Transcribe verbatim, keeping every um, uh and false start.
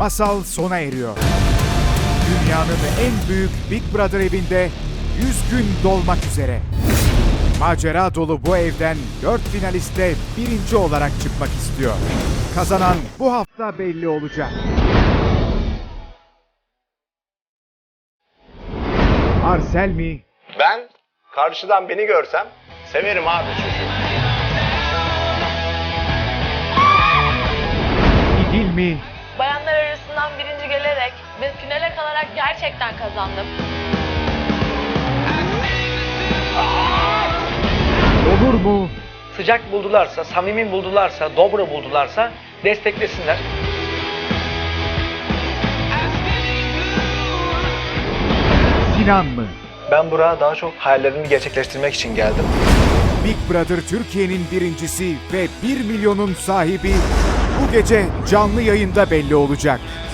masal sona eriyor. Dünyanın en büyük Big Brother evinde yüz gün dolmak üzere. Macera dolu bu evden dört finaliste birinci olarak çıkmak istiyor. Kazanan bu hafta belli olacak. Arsel mi? Ben karşıdan beni görsem severim abi çocuğu. İdil mi? Bayanlar arasından birinci gelerek ve finale kalarak gerçekten kazandım. Olur mu? Sıcak buldularsa, samimi buldularsa, dobra buldularsa desteklesinler. Sinan mı? Ben buraya daha çok hayallerimi gerçekleştirmek için geldim. Big Brother Türkiye'nin birincisi ve bir milyonun sahibi bu gece canlı yayında belli olacak.